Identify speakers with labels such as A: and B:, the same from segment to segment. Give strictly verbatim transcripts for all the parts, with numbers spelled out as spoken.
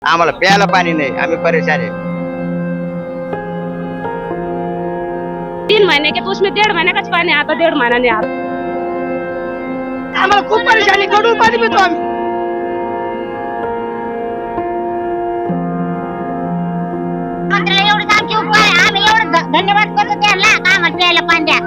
A: आम्हाला प्यायला पाणी नाही, आम्ही परेशान आहे।
B: तीन महीने के तो उसमें डेढ़ महीने का पानी आता, डेढ़ महीना नहीं आता।
C: आम्हाला खूप परेशानी, गढूळ पाणी पितो आम्ही।
D: मंत्र्याला एवढंच आमचे उपकार आहे, आम्ही एवढं धन्यवाद करतो त्यांना का आम्हाला प्यायला पाणी द्या।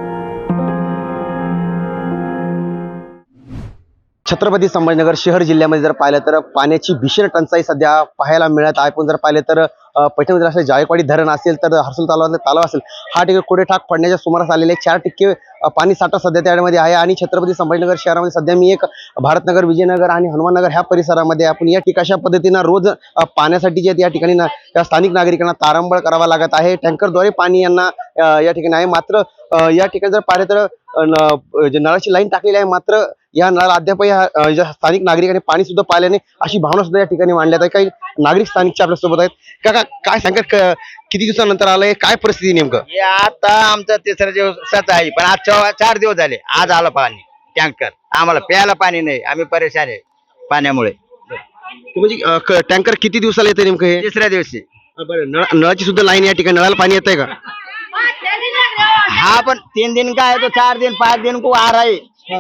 E: छत्रपती संभाजीनगर शहर जिल्ह्यामध्ये जर पाहिलं तर पाण्याची भीषण टंचाई सध्या पाहायला मिळत आहे। पण जर पाहिलं तर पैठणमध्ये असले जायकवाडी धरण असेल तर हर्सुल तलावातले तलाव असेल, हा ठिकाणी कोडेठाक पडण्याच्या सुमारास आलेले चार टक्के पाणी साठा सध्या त्यामध्ये आहे। आणि छत्रपती संभाजीनगर शहरामध्ये सध्या मी एक भारतनगर, विजयनगर आणि हनुमाननगर ह्या परिसरामध्ये आपण या ठिकाणी अशा पद्धतीनं रोज पाण्यासाठी जे या ठिकाणी ना या स्थानिक नागरिकांना तारांबळ करावा लागत आहे। टँकरद्वारे पाणी यांना या ठिकाणी आहे। मात्र या ठिकाणी जर पाहिलं तर जे नळाची लाईन टाकलेली आहे, मात्र या नळाला अद्याप या स्थानिक नागरिकांनी पाणी सुद्धा पाहिले नाही अशी भावना सुद्धा या ठिकाणी मांडल्यात आहे। काही नागरिक स्थानिकच्या आपल्या सोबत आहेत। काका काय सांगत, किती दिवसानंतर आलंय, काय परिस्थिती नेमकं?
A: हे आता आमचा तिसरा दिवसाच आहे, पण आज चा- चार दिवस झाले, आज आलं पाणी टँकर। आम्हाला प्यायला पाणी नाही, आम्ही परेशान आहे पाण्यामुळे।
E: म्हणजे टँकर किती दिवसाला येतं नेमकं हे?
A: तिसऱ्या दिवशी
E: बरं, नळ नळाची सुद्धा लाईन या ठिकाणी, नळाला पाणी येतंय का?
A: हाँ, पण तीन दिन का है तो चार दिन पाच दिन को आ रहा है।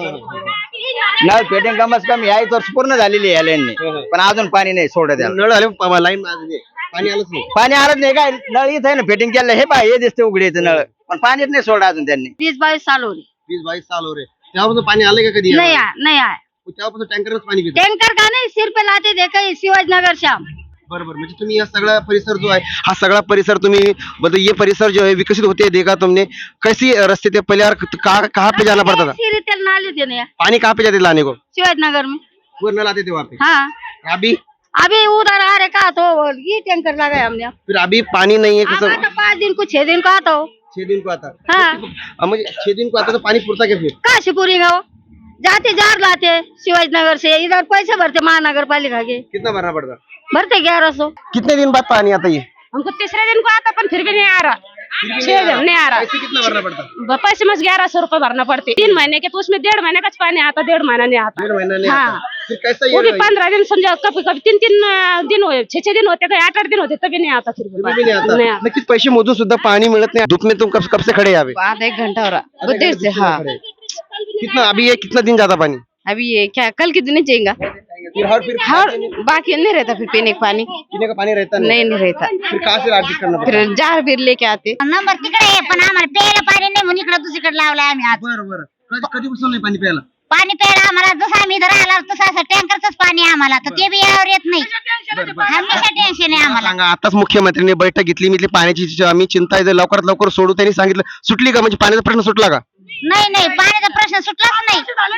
A: नळ फिटिंग कम से कम याही वर्ष पूर्ण झालेली आहे लाईनने, पण अजून पाणी नाही सोडत याला।
E: नळ आले, लाईन पाणी आलंच नाही।
A: पाणी आलंच नाही काय, नळ इथं आहे ना फिटिंग केलं, हे पाय हे दिसते उघडीचं नळ, पण पाणीच नाही सोडा अजून त्यांनी।
B: बीस बाईस साल हो रही
E: वीस बावीस साल हो रे, तेव्हापासून पाणी आलंय का कधी?
B: नहीं आया, नहीं आया।
E: तेव्हापासून टँकरच पाणी पितो।
B: टैंकर का नहीं, सिर पे लाते थे कहीं शिवाजी नगर से हम।
E: बरोबर, म्हणजे तुम्ही हा सगळा परिसर जो आहे, हा सगळा परिसर तुम्ही मतलब ये परिसर जो है विकसित होते देखा तुमने, कैसी रास्ते थे पहले और कहाँ कहाँ पे जाना पड़ता था?
B: सीढ़ी तेल नाले थे ना
E: पानी कहाँ पे जाते थे लाने को?
B: शिवाजी नगर में।
E: वो नल आते थे वहाँ पे।
B: हाँ,
E: अभी
B: अभी उधर आ रहे का तो ये टैंकर लगाया हमने।
E: फिर अभी पानी नहीं है,
B: अब
E: कैसे?
B: आता पाँच दिन को छह दिन को आता हो।
E: छह दिन को आता।
B: हाँ,
E: अब मुझे छह दिन को आता तो पानी पुरता क्या फिर?
B: कहाँ से पूरी गाँव जाते जार लाते शिवाजी नगर से, इधर पैसे भरते महानगर पालिका के,
E: कितना भरना पड़ता?
B: भरते ग्यारह सौ।
E: कितने दिन बाद पानी आता ये?
B: हमको तीसरे दिन को आता, पर फिर भी नहीं आ रहा। छह दिन नहीं आ रहा।
E: पैसे कितना भरना पड़ता?
B: ब- पैसे मस ग्यारह सौ रुपए भरना पड़ते। तीन महीने के तो उसमें डेढ़ महीने का पानी आता, डेढ़ महीना नहीं आता।
E: डेढ़ महीना नहीं
B: हाँ।
E: आता। फिर कैसा
B: वो भी
E: ये
B: पंद्रह दिन समझो, कभी कभी तीन तीन अं, दिन हो, छह छह दिन होते, कहीं आठ आठ दिन होते, तभी नहीं आता। फिर भी
E: भी नहीं आता।
B: नहीं आता।
E: नक्कीच पैसे मोजून सुद्धा पानी मिळत नाही। धूप में तुम कब कब से खड़े हैं यहाँ पे?
F: आधा एक घंटा हो रहा
E: आधे
F: देर
E: घंटे
F: से। हाँ,
E: खड़े हैं। कितना अभी ये कितना दिन जाता पानी?
F: अभी ये क्या कल के दिन जाएगा।
E: फिर हर फिर
F: हाँ, बाकी नहीं रहता फिर पीने का पानी।
E: पीने का पानी रहता
F: नहीं नहीं रहता,
E: फिर कहाँ से एडजस्ट करना पड़ता?
F: फिर जार बीर लेके आते।
D: नंबर तिकडे आहे, पण आम्हाला प्यायला पाणी नाही म्हणून इकडे दुसरीकडे लावलाय आम्ही आज।
E: बरं बरं, कधी कधीपासून नाही पाणी प्यायला?
D: पाणी प्यायला आम्हाला जसं आम्ही इथं राहिला तसं असं टँकरच पाणी आहे आम्हाला, तर ते बी यावर येत नाही। हमेशा टेन्शन आहे आम्हाला।
E: सांगा, आताच मुख्यमंत्र्यांनी बैठक घेतली, मी पाण्याची जी आम्ही चिंता आहे लवकरात लवकर सोडू, त्यांनी सांगितलं, सुटली का? म्हणजे पाण्याचा प्रश्न सुटला का?
D: नाही नाही, पाण्याचा प्रश्न सुटलाच नाही।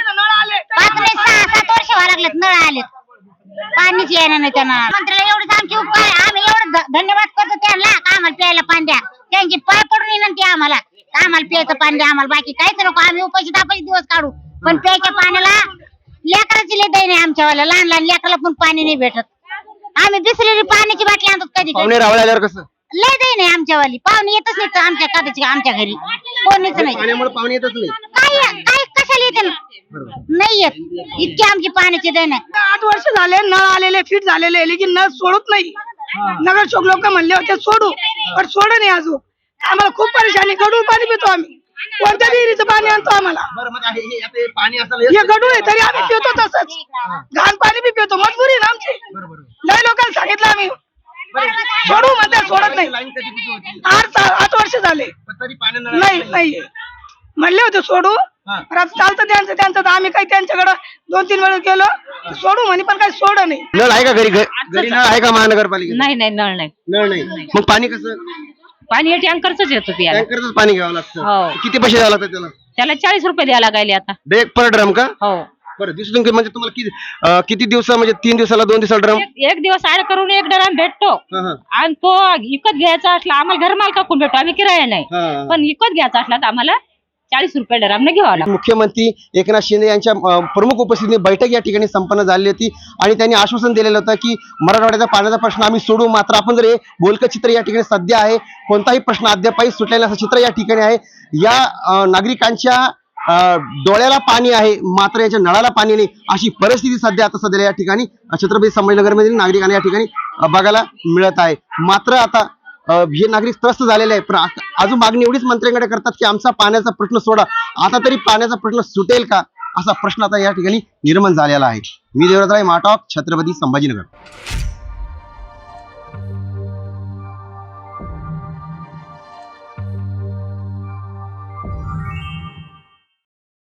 D: पाच नाही सहा सात वर्ष व्हायला लागलेत नळ आलेत, पाणीच येणार नाही त्यांना। मंत्र्याला एवढंच आमचे उपकार आहे, आम्ही एवढं ध- धन्यवाद करतो त्यांना का आम्हाला प्यायला पाणी द्या। त्यांची पाय पडून विनंती आहे आम्हाला का आम्हाला प्यायचं पाणी द्या, आम्हाला बाकी काहीच नको, आम्ही उपाशी तापाशी दिवस काढू, पण प्यायच्या पाण्याला लेकराची लय दैन आहे आमच्यावाला, लहान लहान लेकराला पण पाणी नाही भेटत। आम्ही बिसलेली पाण्याची बाटली आणतो कधी
E: पाहुणे
D: कधी,
E: रावळे आल्यावर कसं?
D: लय दैन आहे आमच्यावाली। पाहुणे येतच नाही तर आमच्या कदाची आमच्या घरी कोणीच नाही।
E: पाण्यामुळे पाहुणे येतच नाही।
D: काय काय कशाला येते ना? नाही येत, इतकी आमची पाण्याची दैन आहे।
C: आठ वर्ष झाले, नळ आलेले, फिट झालेले, लेकिन नळ सोडत नाही। नगर चौक लोक म्हणले होते सोडू, पण सोड नाही अजून। आम्हाला खूप परेशानी, गढूळ पाणी पितो आम्ही, कोणत्या विहिरीचं पाणी आणतो आम्हाला।
E: बरं, मग हे- हे आता हे पाणी असं
C: हे गढूळ आहे तरी आम्ही पितो तसंच, घाण पाणी बी पितो, मजबुरी आहे ना आमची। लय लोकांना सांगितलं आम्ही सोडू, म्हणते सोडत नाही।
E: लाईन कधीपासून होती?
C: आठ सा- आठ वर्ष झाले,
E: पण तरी पाणी
C: नाही नाही म्हणले होते सोडू,
E: हा.
C: पण आता चालतं त्यांचं त्यांचं, तर आम्ही काही त्यांच्याकडे दोन तीन वेळा गेलो तर सोडू म्हणे, पण काही सोड नाही।
E: नळ आहे का घरी? घ- घरी नळ आहे का महानगरपालिका?
F: नहीं नहीं नळ नहीं,
E: नळ नाही, मग पाणी कसं?
F: पाणी हे टँकरच येतो प्यायला।
E: टँकरच पाणी घ्यावं लागतं।
F: हो.
E: किती पैसे द्यावं लागतात त्याला?
F: त्याला चाळीस रुपये द्यायला लागले आता।
E: एक पर ड्रम का?
F: हो,
E: बरं, दिवसातून कि- म्हणजे तुम्हाला किती अं, किती दिवस, म्हणजे तीन दिवसाला दोन दिवसाला ड्रम?
F: एक एक दिवस आड करून एक डराम भेटतो, आणि तो विकत घ्यायचा असला आम्हाला घर मालकाकडून भेटतो, आम्ही किराया नाही, पण विकत घ्यायचा असला तर आम्हाला चाळीस रुपये डरामने घ्यावा लागतो।
E: मुख्यमंत्री एकनाथ शिंदे यांच्या अं, प्रमुख उपस्थितीत बैठक या ठिकाणी संपन्न झाली होती आणि त्यांनी आश्वासन दिलेलं होतं की मराठवाड्याचा पाण्याचा प्रश्न आम्ही सोडू। मात्र आपण जर हे बोलकं चित्र या ठिकाणी सध्या आहे, कोणताही प्रश्न अद्यापही सुटलेला असं चित्र या ठिकाणी आहे। या अं, नागरिकांच्या अं, डोळ्याला पाणी आहे मात्र याच्या नळाला पाणी नाही अशी परिस्थिती सध्या आता सध्या या ठिकाणी अं, छत्रपती संभाजीनगरमधील नागरिकांना या ठिकाणी अं, बघायला मिळत आहे. मात्र आता अं, हे नागरिक त्रस्त झालेले आहे पण आ- अजून मागणी एवढीच मंत्र्यांकडे करतात की आमचा पाण्याचा प्रश्न सोडा, आता तरी पाण्याचा प्रश्न सुटेल का असा प्रश्न आता या ठिकाणी निर्माण झालेला आहे. मी देवराज राय, माटॉक, छत्रपती संभाजीनगर.